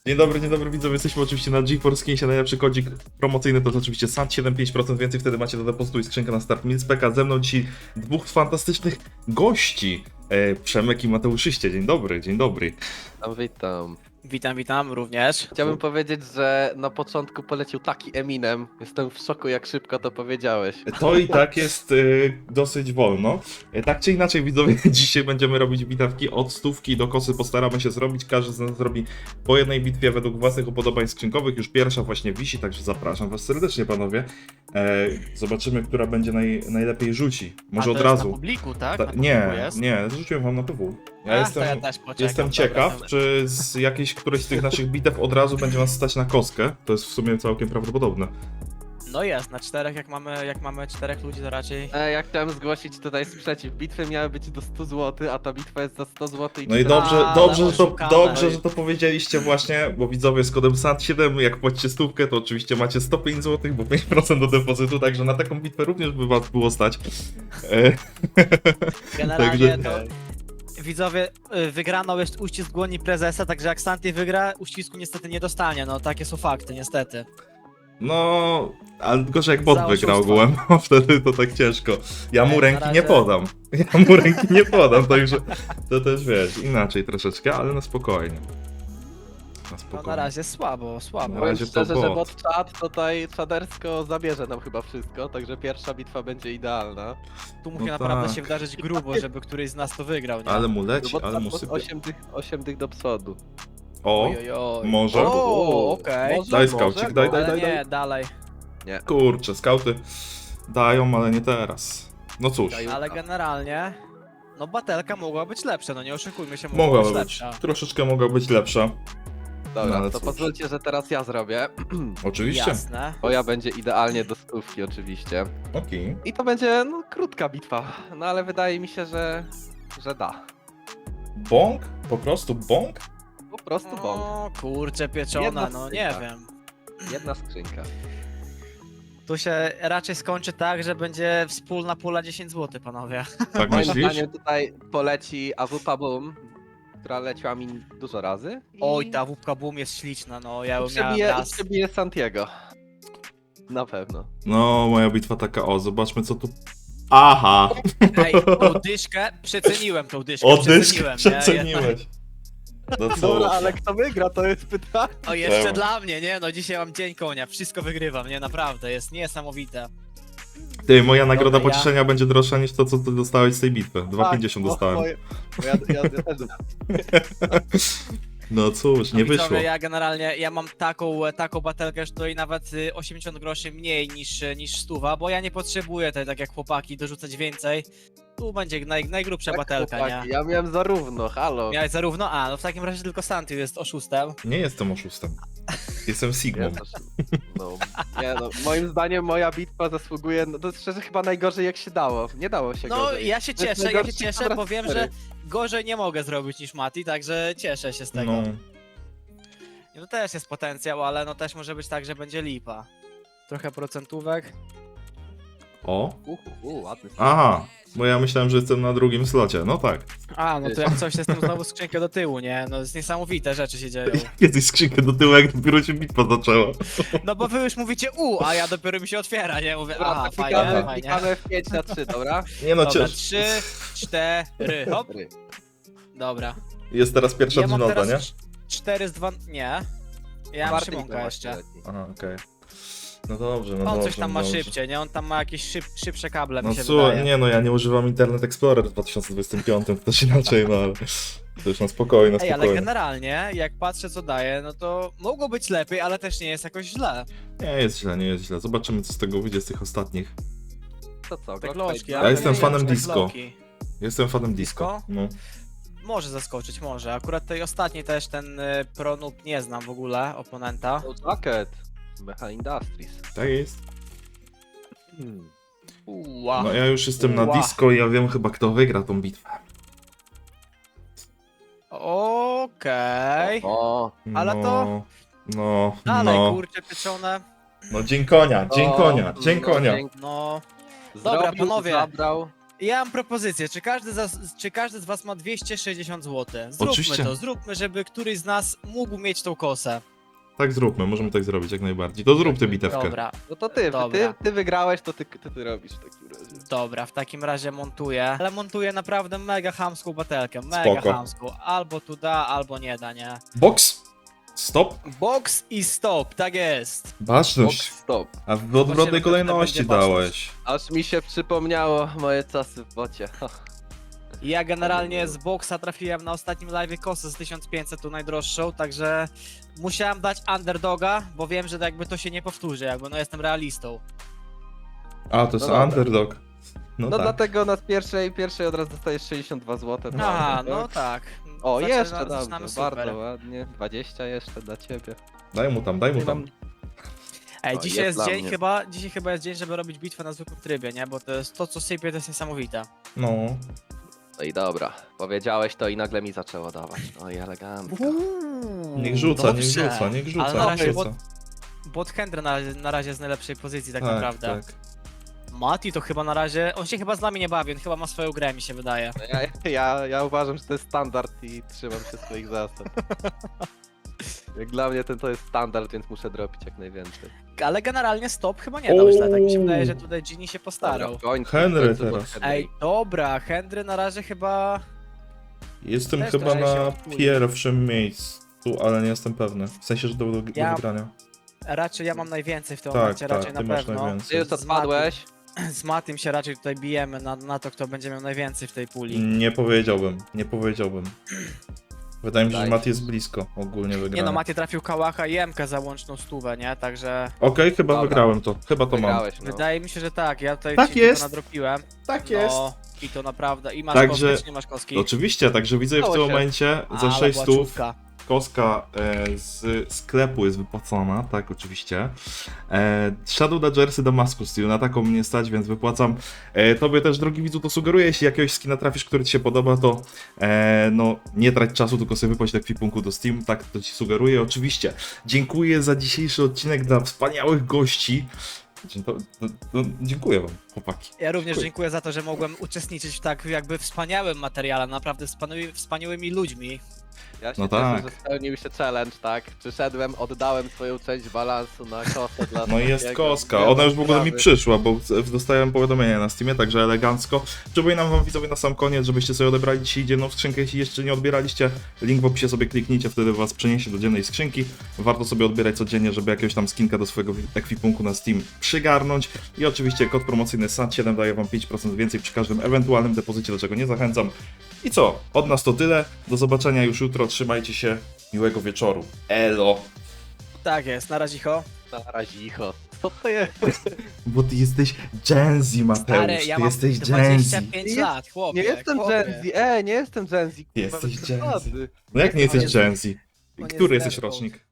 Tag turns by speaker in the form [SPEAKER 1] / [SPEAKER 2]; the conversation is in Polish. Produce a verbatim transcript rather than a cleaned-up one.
[SPEAKER 1] Dzień dobry, dzień dobry widzowie, jesteśmy oczywiście na GeForce Kinsie, najlepszy kodzik promocyjny to jest oczywiście S A T siedem pięć procent więcej, wtedy macie do depozytu i skrzynkę na start Milspeka. Ze mną dzisiaj dwóch fantastycznych gości, e, Przemek i Mateuszyście. Dzień dobry, dzień dobry.
[SPEAKER 2] Witam, witam.
[SPEAKER 3] Witam, witam również.
[SPEAKER 2] Chciałbym powiedzieć, że na początku polecił taki Eminem. Jestem w szoku, jak szybko to powiedziałeś.
[SPEAKER 1] To i tak jest e, dosyć wolno. E, tak czy inaczej widzowie, dzisiaj będziemy robić bitewki od stówki do kosy, postaramy się zrobić, każdy z nas zrobi po jednej bitwie według własnych upodobań skrzynkowych, już pierwsza właśnie wisi, także zapraszam was serdecznie panowie. E, zobaczymy, która będzie naj, najlepiej rzuci, może
[SPEAKER 3] A
[SPEAKER 1] od
[SPEAKER 3] to jest
[SPEAKER 1] razu.
[SPEAKER 3] na publiku, tak?
[SPEAKER 1] Ta,
[SPEAKER 3] Na publiku
[SPEAKER 1] nie,
[SPEAKER 3] jest?
[SPEAKER 1] nie, rzuciłem wam na P W. Ja
[SPEAKER 3] A,
[SPEAKER 1] jestem,
[SPEAKER 3] to ja też poczekam.
[SPEAKER 1] jestem
[SPEAKER 3] Dobra,
[SPEAKER 1] ciekaw,
[SPEAKER 3] dobra.
[SPEAKER 1] czy z jakiejś którejś z tych naszych bitew od razu będzie nas stać na kostkę. To jest w sumie całkiem prawdopodobne.
[SPEAKER 3] No jest, na czterech, jak mamy, jak mamy czterech ludzi, to raczej...
[SPEAKER 2] E, ja chciałem zgłosić tutaj sprzeciw. Bitwy miały być do stu złotych, a ta bitwa jest za sto złotych.
[SPEAKER 1] No i
[SPEAKER 2] cztery-
[SPEAKER 1] dobrze,
[SPEAKER 3] Ale
[SPEAKER 1] dobrze, że to,
[SPEAKER 3] oszukane.
[SPEAKER 1] dobrze, że to powiedzieliście właśnie, bo widzowie z kodem S A T siedem, jak płacicie stówkę, to oczywiście macie sto pięć złotych, bo pięć procent do depozytu, także na taką bitwę również by was było stać. E,
[SPEAKER 3] Generalnie
[SPEAKER 1] Także-
[SPEAKER 3] to... Widzowie, y, wygraną jest uścisk dłoni prezesa, także jak Santi wygra, uścisku niestety nie dostanie, no takie są fakty, niestety.
[SPEAKER 1] No, ale gorzej jak bot
[SPEAKER 3] Za
[SPEAKER 1] wygrał
[SPEAKER 3] oszustwo.
[SPEAKER 1] ogółem, bo wtedy to tak ciężko. Ja mu
[SPEAKER 3] Ej, na
[SPEAKER 1] ręki nie
[SPEAKER 3] razie-
[SPEAKER 1] podam. Ja mu ręki nie podam, także to też wiesz, inaczej troszeczkę, ale na spokojnie. Na
[SPEAKER 3] No
[SPEAKER 1] spokojnie.
[SPEAKER 3] na razie słabo, słabo.
[SPEAKER 1] Na
[SPEAKER 2] Powiem
[SPEAKER 1] razie to
[SPEAKER 2] szczerze, że
[SPEAKER 1] bot.
[SPEAKER 2] bot czat tutaj czadersko zabierze nam chyba wszystko, także pierwsza bitwa będzie idealna.
[SPEAKER 3] Tu musi
[SPEAKER 1] No
[SPEAKER 3] naprawdę
[SPEAKER 1] tak.
[SPEAKER 3] się wydarzyć grubo, żeby któryś z nas to wygrał, nie?
[SPEAKER 1] Ale mu leci,
[SPEAKER 2] Bot
[SPEAKER 1] ale mu
[SPEAKER 2] czat
[SPEAKER 1] sypie.
[SPEAKER 2] osiem tych, osiem tych do przodu.
[SPEAKER 1] O,
[SPEAKER 3] Ojojoj.
[SPEAKER 1] może?
[SPEAKER 3] O, okej.
[SPEAKER 2] Może,
[SPEAKER 1] Daj
[SPEAKER 2] może,
[SPEAKER 1] skaucik, daj, daj,
[SPEAKER 3] Ale
[SPEAKER 1] daj,
[SPEAKER 3] nie,
[SPEAKER 1] daj.
[SPEAKER 3] dalej.
[SPEAKER 2] Nie.
[SPEAKER 1] Kurczę, skauty dają, ale nie teraz. No cóż,
[SPEAKER 2] Dają.
[SPEAKER 3] Ale generalnie... No batelka mogła być lepsza, no nie oszukujmy się, mogła,
[SPEAKER 1] mogła
[SPEAKER 3] być
[SPEAKER 1] być,
[SPEAKER 3] lepsza.
[SPEAKER 1] troszeczkę mogła być lepsza.
[SPEAKER 2] Dobra,
[SPEAKER 1] No, ale
[SPEAKER 2] to
[SPEAKER 1] cóż.
[SPEAKER 2] pozwólcie, że teraz ja zrobię.
[SPEAKER 1] Oczywiście.
[SPEAKER 3] Jasne.
[SPEAKER 2] Moja będzie idealnie do stówki oczywiście.
[SPEAKER 1] Okej.
[SPEAKER 2] I to będzie no, krótka bitwa, no ale wydaje mi się, że, że da.
[SPEAKER 1] Bąk? Po prostu bąk?
[SPEAKER 2] Po prostu bąk.
[SPEAKER 3] O kurczę pieczona,
[SPEAKER 2] Jedna
[SPEAKER 3] no nie
[SPEAKER 2] skrzynka.
[SPEAKER 3] wiem.
[SPEAKER 2] Jedna skrzynka.
[SPEAKER 3] Tu się raczej skończy tak, że będzie wspólna pula dziesięć złotych, panowie.
[SPEAKER 1] Tak
[SPEAKER 2] Moim
[SPEAKER 1] myślisz?
[SPEAKER 2] zdaniem tutaj poleci A W P Boom, która leciała mi dużo razy. I
[SPEAKER 3] Oj, ta wupka boom jest śliczna, no ja ją miałem
[SPEAKER 2] przebije,
[SPEAKER 3] raz.
[SPEAKER 2] przebije Santiago. Na pewno.
[SPEAKER 1] No, moja bitwa taka, o, zobaczmy co tu... Aha!
[SPEAKER 3] Ej, tą dyszkę, przeceniłem tą dyszkę,
[SPEAKER 1] O, dyszkę
[SPEAKER 3] przeceniłem, nie? Jednak-
[SPEAKER 1] przeceniłeś. No co?
[SPEAKER 2] Dobra, ale kto wygra, to jest pytanie.
[SPEAKER 3] O, jeszcze
[SPEAKER 1] Czemu?
[SPEAKER 3] dla mnie, nie? No dzisiaj mam dzień konia, wszystko wygrywam, nie? Naprawdę, jest niesamowite.
[SPEAKER 1] Ty, moja nagroda
[SPEAKER 3] Dobra, ja-
[SPEAKER 1] pocieszenia będzie droższa niż to, co ty dostałeś z tej bitwy.
[SPEAKER 2] Tak,
[SPEAKER 1] dwa pięćdziesiąt
[SPEAKER 2] bo-
[SPEAKER 1] dostałem.
[SPEAKER 2] bo Ja, bo ja, ja, ja też
[SPEAKER 1] No cóż,
[SPEAKER 3] No
[SPEAKER 1] nie
[SPEAKER 3] widzowie,
[SPEAKER 1] wyszło.
[SPEAKER 3] ja generalnie, ja mam taką, taką batelkę, że to i nawet y, osiemdziesiąt groszy mniej niż, niż stuwa, bo ja nie potrzebuję tutaj, tak jak chłopaki, dorzucać więcej. Tu będzie naj, najgrubsza
[SPEAKER 2] tak,
[SPEAKER 3] batelka,
[SPEAKER 2] chłopaki,
[SPEAKER 3] nie?
[SPEAKER 2] Ja miałem zarówno, halo.
[SPEAKER 3] Miałeś zarówno? A, no w takim razie tylko Santi jest oszustem.
[SPEAKER 1] Nie jestem oszustem. Jestem Sigmą.
[SPEAKER 2] Ja też- No, nie, no, moim zdaniem moja bitwa zasługuje, no to szczerze chyba najgorzej jak się dało. Nie dało się
[SPEAKER 3] No
[SPEAKER 2] gorzej.
[SPEAKER 3] ja się
[SPEAKER 2] To jest
[SPEAKER 3] cieszę, ja się
[SPEAKER 2] najgorszy
[SPEAKER 3] cieszę,
[SPEAKER 2] kwadrat
[SPEAKER 3] bo wiem,
[SPEAKER 2] cztery.
[SPEAKER 3] że gorzej nie mogę zrobić niż Mati, także cieszę się z tego.
[SPEAKER 1] No,
[SPEAKER 3] No też jest potencjał, ale no też może być tak, że będzie lipa. Trochę procentówek.
[SPEAKER 1] o.
[SPEAKER 2] Uh, uh, ładny.
[SPEAKER 1] Aha, bo ja myślałem, że jestem na drugim slocie. No tak.
[SPEAKER 3] A, no to jak coś jestem znowu skrzynkę do tyłu, nie? No jest niesamowite rzeczy się dzieją.
[SPEAKER 1] Kiedyś skrzynkę do tyłu, jak dopiero się bitwa zaczęła.
[SPEAKER 3] No bo wy już mówicie u, a ja dopiero mi się otwiera, nie? Mówię,
[SPEAKER 2] Dobra,
[SPEAKER 3] aha,
[SPEAKER 2] to
[SPEAKER 3] fajnie,
[SPEAKER 2] klikamy,
[SPEAKER 3] fajnie.
[SPEAKER 2] klikamy w pięć na trzy, dobra?
[SPEAKER 1] Nie no,
[SPEAKER 3] Dobra,
[SPEAKER 1] cięż...
[SPEAKER 3] trzy, cztery, hop.
[SPEAKER 2] Cztery.
[SPEAKER 3] Dobra.
[SPEAKER 1] Jest teraz pierwsza
[SPEAKER 3] Ja mam
[SPEAKER 1] dżinota,
[SPEAKER 3] teraz
[SPEAKER 1] nie?
[SPEAKER 3] cz- cztery z dwa, nie. Ja mam
[SPEAKER 2] Czwarty
[SPEAKER 3] Szymonka
[SPEAKER 2] bitwa
[SPEAKER 3] jeszcze.
[SPEAKER 2] właśnie leci.
[SPEAKER 1] Aha, okej. No dobrze, no
[SPEAKER 3] On
[SPEAKER 1] dobrze.
[SPEAKER 3] coś tam
[SPEAKER 1] no
[SPEAKER 3] ma
[SPEAKER 1] dobrze.
[SPEAKER 3] szybciej, nie? On tam ma jakieś szyb, szybsze kable,
[SPEAKER 1] No
[SPEAKER 3] mi się
[SPEAKER 1] słuchaj,
[SPEAKER 3] wydaje.
[SPEAKER 1] nie no, ja nie używam Internet Explorer w dwa tysiące dwudziestym piątym, to też inaczej, no ale... To już na spokojnie, na
[SPEAKER 3] Ej, ale
[SPEAKER 1] spokojnie.
[SPEAKER 3] generalnie, jak patrzę co daje, no to mogło być lepiej, ale też nie jest jakoś źle.
[SPEAKER 1] Nie jest źle, nie jest źle. Zobaczymy, co z tego wyjdzie z tych ostatnich.
[SPEAKER 2] To co,
[SPEAKER 3] Te
[SPEAKER 2] Glock
[SPEAKER 3] gloczki,
[SPEAKER 2] Fight?
[SPEAKER 3] ale
[SPEAKER 1] Ja jestem
[SPEAKER 3] nie
[SPEAKER 1] fanem
[SPEAKER 3] wiem, czy te
[SPEAKER 1] disco.
[SPEAKER 3] gloki.
[SPEAKER 1] Jestem fanem disco.
[SPEAKER 3] Disco?
[SPEAKER 1] No.
[SPEAKER 3] Może zaskoczyć, może. Akurat tej ostatniej też ten y, Pronub nie znam w ogóle, oponenta.
[SPEAKER 2] To Jacket. Mecha Industries.
[SPEAKER 1] Tak jest.
[SPEAKER 2] Hmm.
[SPEAKER 3] Uła.
[SPEAKER 1] No ja już jestem na
[SPEAKER 3] Ła.
[SPEAKER 1] disco i ja wiem chyba, kto wygra tą bitwę.
[SPEAKER 3] Okej.
[SPEAKER 2] O,
[SPEAKER 3] Ale
[SPEAKER 1] no,
[SPEAKER 3] to-
[SPEAKER 1] No,
[SPEAKER 3] Dalej,
[SPEAKER 1] no.
[SPEAKER 3] kurczę, pieczone.
[SPEAKER 1] No dzień konia, dzień
[SPEAKER 2] o,
[SPEAKER 1] konia, dzień
[SPEAKER 2] no,
[SPEAKER 1] konia.
[SPEAKER 2] dzięki.
[SPEAKER 3] No, Dobra,
[SPEAKER 2] Zrobił,
[SPEAKER 3] panowie.
[SPEAKER 2] Zabrał.
[SPEAKER 3] Ja mam propozycję, czy każdy, z, czy każdy z was ma dwieście sześćdziesiąt złotych? Zróbmy
[SPEAKER 1] Oczywiście.
[SPEAKER 3] to, zróbmy, żeby któryś z nas mógł mieć tą kosę.
[SPEAKER 1] Tak zróbmy, możemy tak zrobić jak najbardziej. To zrób tę bitewkę.
[SPEAKER 3] Dobra,
[SPEAKER 2] No to ty, ty,
[SPEAKER 3] Dobra.
[SPEAKER 2] ty wygrałeś, to ty, ty, ty robisz w takim razie.
[SPEAKER 3] dobra, w takim razie montuję. Ale montuję naprawdę mega chamską batelkę, mega
[SPEAKER 1] Spoko.
[SPEAKER 3] chamską. Albo tu da, albo nie da, nie?
[SPEAKER 1] Box! Stop!
[SPEAKER 3] Box i stop, tak jest.
[SPEAKER 2] Box
[SPEAKER 1] Baczność!
[SPEAKER 2] stop.
[SPEAKER 1] A w odwrotnej
[SPEAKER 3] Zobaczymy,
[SPEAKER 1] kolejności
[SPEAKER 3] kto będzie
[SPEAKER 1] dałeś.
[SPEAKER 2] Aż mi się przypomniało moje czasy w bocie.
[SPEAKER 3] Ja generalnie z boxa trafiłem na ostatnim live kosę z tysiąc pięćset, tą najdroższą, także musiałem dać underdoga, bo wiem, że jakby to się nie powtórzy, jakby no jestem realistą.
[SPEAKER 1] A, to jest
[SPEAKER 2] No dobra.
[SPEAKER 1] underdog. No,
[SPEAKER 2] No
[SPEAKER 1] tak.
[SPEAKER 2] dlatego na pierwszej, pierwszej od razu dostajesz sześćdziesiąt dwa złote.
[SPEAKER 3] Aha, no tak.
[SPEAKER 2] O,
[SPEAKER 3] Zaczyna-
[SPEAKER 2] jeszcze dobrze,
[SPEAKER 3] zaczynamy super.
[SPEAKER 2] bardzo ładnie. dwadzieścia jeszcze dla ciebie.
[SPEAKER 1] Daj mu tam, daj mu
[SPEAKER 2] Nie
[SPEAKER 1] tam.
[SPEAKER 2] mam-
[SPEAKER 3] Ej,
[SPEAKER 2] O,
[SPEAKER 3] dzisiaj
[SPEAKER 2] jest
[SPEAKER 3] jest
[SPEAKER 2] dla
[SPEAKER 3] dzień
[SPEAKER 2] mnie.
[SPEAKER 3] chyba, dzisiaj chyba jest dzień, żeby robić bitwę na zwykłym trybie, nie? Bo to jest to, co sypie, to jest niesamowite.
[SPEAKER 1] No.
[SPEAKER 2] No i dobra, powiedziałeś to i nagle mi zaczęło dawać. No i elegancko.
[SPEAKER 1] Niech rzuca, niech
[SPEAKER 3] Dobrze.
[SPEAKER 1] rzuca, niech rzuca,
[SPEAKER 3] Ale na
[SPEAKER 1] niech
[SPEAKER 3] razie
[SPEAKER 1] rzuca.
[SPEAKER 3] Bot Hendry na, na razie jest w najlepszej pozycji tak,
[SPEAKER 1] Tak,
[SPEAKER 3] naprawdę.
[SPEAKER 1] tak.
[SPEAKER 3] Mati to chyba na razie, on się chyba z nami nie bawi, on chyba ma swoją grę, mi się wydaje.
[SPEAKER 2] No Ja, ja, ja uważam, że to jest standard i trzymam się swoich zasad. Jak dla mnie ten to jest standard, więc muszę dropić jak najwięcej.
[SPEAKER 3] Ale generalnie stop chyba nie dał źle, tak mi się
[SPEAKER 1] Ouu.
[SPEAKER 3] wydaje, że tutaj Ginny się postarał.
[SPEAKER 2] Dobra, w końcu,
[SPEAKER 1] Henry
[SPEAKER 2] w końcu
[SPEAKER 1] teraz.
[SPEAKER 2] było Henry.
[SPEAKER 3] Ej, dobra, Hendry na razie chyba...
[SPEAKER 1] Jestem
[SPEAKER 3] Też
[SPEAKER 1] chyba
[SPEAKER 3] trochę się
[SPEAKER 1] na
[SPEAKER 3] odpłynie.
[SPEAKER 1] pierwszym miejscu, ale nie jestem pewny. W sensie, że do, do, do
[SPEAKER 3] Ja-
[SPEAKER 1] wygrania.
[SPEAKER 3] Raczej ja mam najwięcej w tym
[SPEAKER 1] Tak,
[SPEAKER 3] momencie,
[SPEAKER 1] tak,
[SPEAKER 3] raczej
[SPEAKER 1] ty
[SPEAKER 3] na
[SPEAKER 1] masz
[SPEAKER 3] pewno.
[SPEAKER 2] Ty
[SPEAKER 1] najwięcej.
[SPEAKER 2] już odpadłeś?
[SPEAKER 3] Z Matym się raczej tutaj bijemy na, na to, kto będzie miał najwięcej w tej puli.
[SPEAKER 1] Nie powiedziałbym, nie powiedziałbym. Wydaje mi się, że
[SPEAKER 2] Daj.
[SPEAKER 1] Mat jest blisko ogólnie wygrania.
[SPEAKER 3] Nie no, Maty trafił Kałacha i Emkę za łączną stówę, nie? Także
[SPEAKER 1] Okej, chyba
[SPEAKER 2] Dobra.
[SPEAKER 1] wygrałem to. Chyba to mam.
[SPEAKER 2] Wygrałeś, no.
[SPEAKER 3] wydaje mi się, że tak. Ja tutaj
[SPEAKER 1] Tak
[SPEAKER 3] ci
[SPEAKER 1] jest.
[SPEAKER 3] to nadropiłem.
[SPEAKER 1] Tak
[SPEAKER 3] No, i to naprawdę. I masz
[SPEAKER 1] Także-
[SPEAKER 3] kostkę, czy nie masz kostki?
[SPEAKER 1] Oczywiście, także widzę w
[SPEAKER 2] Udało
[SPEAKER 1] tym
[SPEAKER 2] się.
[SPEAKER 1] momencie za
[SPEAKER 3] Ale
[SPEAKER 1] sześć
[SPEAKER 3] była
[SPEAKER 1] stów
[SPEAKER 3] czówka.
[SPEAKER 1] koska e, z sklepu jest wypłacona, tak oczywiście. E, Shadow Dodgersy Damascus Steel, na taką mnie stać, więc wypłacam. E, tobie też, drogi widzu, to sugeruję, jeśli jakiegoś skina trafisz, który ci się podoba, to e, no nie trać czasu, tylko sobie wypłać do kwipunku do Steam, tak to ci sugeruję. Oczywiście dziękuję za dzisiejszy odcinek dla wspaniałych gości. To, to, to, dziękuję wam, chłopaki.
[SPEAKER 3] Ja również
[SPEAKER 1] Dziękuję.
[SPEAKER 3] dziękuję za to, że mogłem uczestniczyć w tak jakby wspaniałym materiale, naprawdę wspaniałymi, wspaniałymi ludźmi.
[SPEAKER 2] Ja się
[SPEAKER 1] No
[SPEAKER 2] cieszę,
[SPEAKER 1] tak.
[SPEAKER 2] że spełnił się challenge, tak? Przyszedłem, oddałem swoją część balansu na kosę dla
[SPEAKER 1] No i jest
[SPEAKER 2] Smokiego.
[SPEAKER 1] koska.
[SPEAKER 2] Nie
[SPEAKER 1] Ona
[SPEAKER 2] ma
[SPEAKER 1] już w ogóle mi
[SPEAKER 2] sprawy.
[SPEAKER 1] przyszła, bo dostałem powiadomienie na Steamie, także elegancko. Przypominam wam, widzowie, na sam koniec, żebyście sobie odebrali dzisiaj dzienną skrzynkę. Jeśli jeszcze nie odbieraliście, link w opisie sobie kliknijcie, wtedy was przeniesie do dziennej skrzynki. Warto sobie odbierać codziennie, żeby jakiegoś tam skinka do swojego ekwipunku na Steam przygarnąć. I oczywiście kod promocyjny S A T siedem daje wam pięć procent więcej przy każdym ewentualnym depozycie, do czego nie zachęcam. I co? Od nas to tyle. Do zobaczenia już jutro. Trzymajcie się. Miłego wieczoru. Elo!
[SPEAKER 3] Tak jest, na razie ho.
[SPEAKER 2] Na razie, icho. Co to jest?
[SPEAKER 1] Bo ty jesteś Gen Z, Mateusz.
[SPEAKER 3] Stary, ja
[SPEAKER 1] ty
[SPEAKER 3] mam
[SPEAKER 1] jesteś Gen Z.
[SPEAKER 3] dwadzieścia pięć
[SPEAKER 2] Nie
[SPEAKER 3] lat, chłopie.
[SPEAKER 2] Nie jestem
[SPEAKER 3] chłopie.
[SPEAKER 2] Gen Z, e, nie jestem Gen Z. kurwa,
[SPEAKER 1] Jesteś
[SPEAKER 2] bez
[SPEAKER 1] Gen Z.
[SPEAKER 2] przesady.
[SPEAKER 1] No jak nie jesteś
[SPEAKER 3] No nie-
[SPEAKER 1] Gen Z?
[SPEAKER 3] no nie
[SPEAKER 1] Który jesteś
[SPEAKER 3] zerwał.
[SPEAKER 1] rocznik?